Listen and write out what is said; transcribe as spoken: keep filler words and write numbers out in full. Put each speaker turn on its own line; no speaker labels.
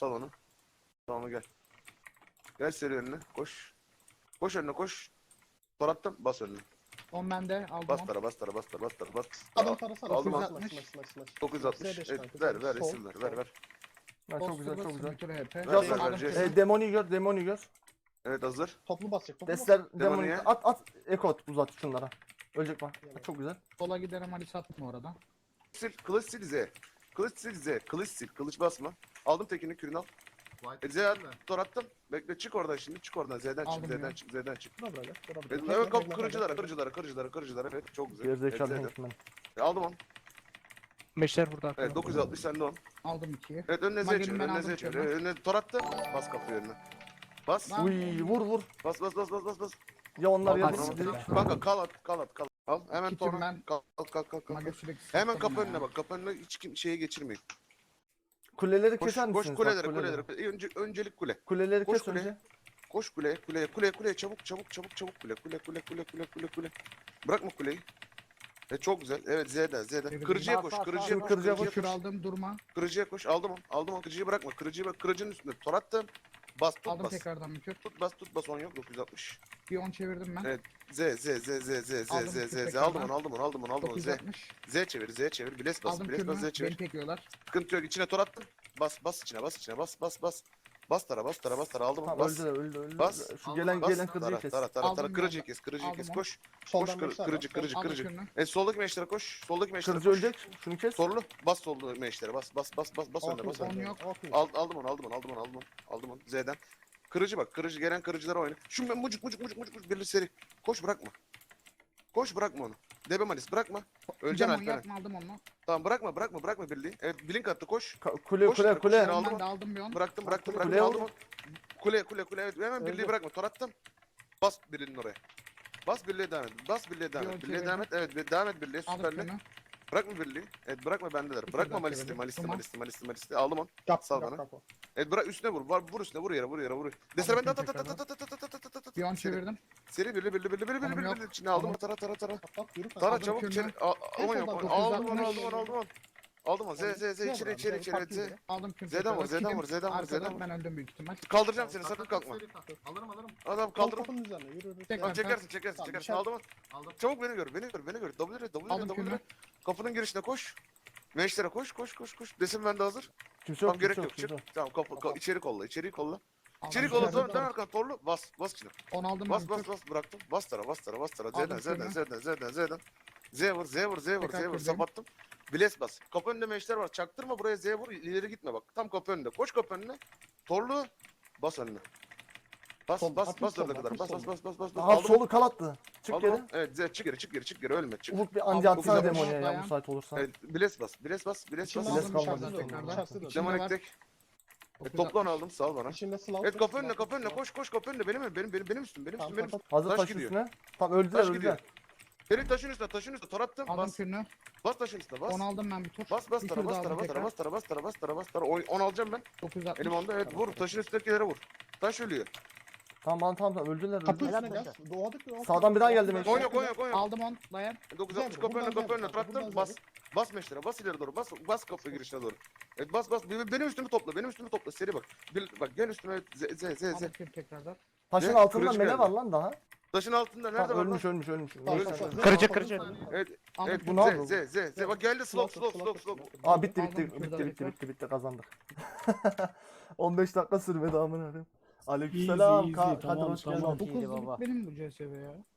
Sal onu. Tamam gel. Gel seri önüne. Koş. Koş önüne koş. Tor attım. Bas önüne.
on bende aldım
Bas
on.
tara bas tara bas tara bas tara bas.
Adam tarasa
Aldım
slash,
onu.
slash, slash, slash, slash.
dokuz yüz altmış.
Z beş
Evet,
kanka,
ver ver
sol,
resim ver ver ver.
Ha, çok güzel
Poster
çok güzel.
basın, H P.
Ver,
ver,
Aldım
ver,
kürünü.
ver.
E, demoni gör demoni gör.
Evet hazır.
Toplu basacak. Toplu
Destler
basacak.
demoni
Demoniye.
at at ekot uzat şunlara. Ölecek bak. Çok güzel.
Sola giderim Ali satma orada.
Sil, kılıç sil Z. Kılıç sil Z. Kılıç sil. Kılıç basma. Aldım tekini kürünü al. E, Z at, tor attım. Bekle çık oradan şimdi. Çık oradan. Z'den çık.
Aldım
Z'den
ya.
çık. Z'den çık.
Bura bırak. Bura bırak.
Evet,
Bekle,
evet
bekle,
kap
bekle,
kırıcılara,
bekle.
kırıcılara, kırıcılara, kırıcılara. Evet çok güzel.
Gerizekalı
Evet, Z'den.
Hankman.
E, aldım onu.
Meşler burada.
Evet dokuz yüz altmış sende on.
Aldım ikiyi.
Evet önüne Z
Magini
çevir.
ben
Önüne
aldım
Z çevir.
kürünü.
Evet, önüne tor attı. Bas kapıyı önüne. Bas.
Lan.
Uy vur vur.
Bas bas bas bas bas bas.
Ya onlar ya
Al,
biz
al,
dedik.
Kanka kal at kal at kal. Al hemen
Kitim
torna.
ben.
Kal kal kal kal.
Mage sürekli
Hemen
sıktım
kapı
ya.
önüne bak. Kapı önüne hiç kim şeye geçirmeyin.
Kuleleri
Koş
keser misiniz?
koş
Bak,
kulelere
kuleleri.
kulelere. Önce öncelik kule.
Kuleleri
Koş
kes
kuleye.
önce.
Koş kuleye kuleye kuleye kuleye çabuk çabuk çabuk çabuk kule kule kule kule kule kule kule. Bırakma kuleyi. E çok güzel. Evet Z'den Z'den.
Evet,
Kırıcıya
sağ,
koş.
sağ,
Kırıcıya
sağ.
koş.
Kırıcıya
Kırıcıya
koş.
Kür
koş.
aldım durma.
Kırıcıya koş. Aldım onu. Aldım onu. Kırıcıyı bırakma. Kırıcıyı bak. Kırıcının üstünde. Tor attım. Bas tut
Aldım
bas.
tekrardan bir kür.
Tut bas tut bas on yok. dokuz yüz altmış.
Bir on çevirdim ben.
Evet. Z Z Z Z Z Z
Aldım
Z
kür
Z Z.
tekrardan.
Aldım onu. Aldım onu. Aldım onu. Aldım onu. Z.
dokuz yüz altmış.
Z çevir. Z çevir. Biles bas.
Aldım
Biles bas. Z
kürünü.
çevir.
Beni tekliyorlar.
Sıkıntı yok. İçine tor attım. Bas bas içine. Bas içine. Bas bas bas. Bas tara bas tara bas tara. Aldım onu.
Tamam
Bas.
öldü de öldü öldü.
Bas.
Şu gelen
Bas.
gelen kırıcıyı
Tara
kes.
tara tara
Aldım
tara.
ben
Kırıcıyı
de.
kes. Kırıcıyı
Aldım
kes.
onu.
Koş. Koş
Soldan
kır,
meşler
kırıcı
var.
kırıcı
Aldım
kırıcı.
kürünü.
Evet soldaki meşlere koş. Soldaki meşlere
Kırıcı
koş.
ölecek. Şunu kes.
Sorulu. Bas soldu meşlere. Bas bas bas bas bas önüne bas
on
önüne.
yok.
Al, aldım onu aldım onu aldım onu aldım onu. Aldım onu. Z'den. Kırıcı bak. Kırıcı gelen kırıcılara oyna. Şu ben mucuk mucuk mucuk mucuk mucuk birli seri. Koş bırakma. Koş bırakma onu. Debe Malis bırakma. Öleceksin
Demon
Alperen.
yapma aldım onu.
Tamam bırakma bırakma bırakma birliği. Evet blink attı koş.
Ka- Kule
Koş
kule
yere, koş
kule.
yere, aldım
Ben
onu.
de aldım bir on.
Bıraktım bıraktım
Kuleye
bıraktım aldım
vur.
onu. Kule kule kule evet hemen birliği
Öldü.
bırakma. Tor attım. Bas birliğinin oraya. Bas birliğe devam et. Bas birliğe devam
Bir
et.
on
Birliğe
çevirdim.
devam et. Evet bir- devam et birliğe
Aldım
süperle.
kürünü.
Bırakma birliği. Evet bırakma bendeler.
Bir
Bırakma
daha
malisti
çevirdim.
malisti
Tamam.
malisti malisti malisti. Aldım onu.
Yap,
Sal
yap,
bana.
yap o.
Evet bırak üstüne vur. Var vur üstüne vur yere vur yere vur. Desene ben de at at at
tekrardan.
at at at at at at at at.
Bir on
Seri.
çevirdim.
Seri birli birli birli birli birli
Tamam,
birli
yok.
birli. İçine aldım
Tamam.
tara tara tara.
At, at, yürü.
Tara
Aldım
çabuk
kürünü.
içeri. Al- Aman yok.
soldan
Aldım
dokuz
onu
yüz
aldım onu aldım onu. Aldım onu. Z Z Z içeri içeri içeri. Evet, Z.
Aldım kürünü.
Z'den vur,
tekrar.
Z'den vur,
Kitim
Z'den vur,
arkada,
Z'den vur.
Ben öldüm büyük ihtimal.
Kaldıracağım seni sakın kalkma.
Alırım alırım.
Adam
Kal
kaldırma.
kapının üzerine yürü yürü.
Tekrar.
Tamam çekersin çekersin
Tamam,
çekersin.
içeri-
Aldım onu.
Aldım.
Çabuk beni gör beni gör beni gör. W W
Aldım
W
kürünü.
W. Kapının girişine koş. Meşlere koş koş koş koş. Desin ben de hazır.
Kimse yok
Tamam gerek
kimse
yok.
yok
çık.
kimse yok.
Tamam kapı ka- içeri kolla içeri kolla. İçeri
Aldım
kolla
kürünü.
dön dön arkan torlu. Bas bas içine.
on aldım
Bas
ben
bas
kür.
bas bıraktım. Bas tara bas tara bas tara. Z'den
Aldım
Z'den
kürünü.
Z'den Z'den Z'den. Z vur Z vur Z vur Z
Tekrar
vur.
kürden.
Sapattım. Biles bas. Kapı önünde meşler var. Çaktırma buraya Z vur. İleri gitme bak. Tam kapı önünde. Koş kapı önüne. Torlu. Bas önüne. Bas
Sol,
bas
hafif
bas
solda,
oraya kadar.
hafif
Bas bas
solda.
bas bas bas. bas.
Aha
Aldım onu.
solu kal attı. Çık
Aldım
geri.
onu. Evet Z çık geri çık geri çık geri ölme çık.
Ufuk bir
Aldım,
anca atsana
dokuz yüz
demoniye ya
dayan.
müsait olursan.
Evet, biles bas, biles bas, biles
İçinde
bas.
Biles
aldım,
kalmadı.
içerisi de
Tekrardan.
var, içerisi de var.
İçinde
Demonik
var.
tek. Evet,
dokuz yüz
toplan
altmış.
aldım, sal bana.
İçinde slav.
Evet, kapı önüne, kapı önüne, koş, koş, kapı önüne. Benim, benim, benim, benim üstüm, benim
Tamam,
üstüm, benim
tamam,
üstüm.
Hazır
Taş
taş
gidiyor.
üstüne. Tamam öldüler
Taş gidiyor.
öldüler.
Senin taşın üstüne, taşın üstüne, tor attım,
Aldım
bas.
kürünü.
Bas taşın üstüne, bas.
on aldım ben bir tur.
Bas, bas,
Bir
tara,
kür
bas,
daha
tara,
aldım
bas, tara,
tekrar.
bas, tara, bas, tara, bas, tara, bas, tara. On on alacağım ben.
dokuz yüz altmış.
Elim onda, evet, vur. Taşın üstündekilere vur. Taş ölüyor.
Tamam tamam tamam öldüler
Kapı
öldüler.
üstüne gel. Doğadık ya.
Sağdan bir daha geldi meşler.
Konya, konya, konya.
Aldım on. Dayan.
dokuz altmış kapı önüne, kapı önüne, tor attım, bas. Bas meşlere, bas ileri doğru, bas, bas kapı girişine doğru. Evet, bas, bas. Benim benim üstümü topla, benim üstümü topla. Seri bak. Bir, bak, gel üstüme, Z, Z, Z, Z.
Aldım kür tekrardan.
Taşın
Ne?
altında
Kırıcı
mele
geldi.
var lan daha.
Taşın altında nerede
Tamam,
var lan?
ölmüş ölmüş ölmüş.
Tamam,
Ölmüş.
tamam,
Kırıcı,
tamam,
kırıcı.
tamam.
Evet,
Aldım
evet,
kür.
Bu ne yapıyor?
Z, Z, Z, Z. Bak geldi, slow, slow, slow, slow.
Aa bitti
Aldım
bitti
kürden
bitti bitti
tekrar.
bitti bitti kazandık. on beş dakika sürmedi amına koyayım.
Easy,
Aleykümselam.
easy,
Ka- Kadir
tamam,
hoş geldin.
tamam.
Çok
İyiydi
hızlı
baba.
benim bu C S V ya.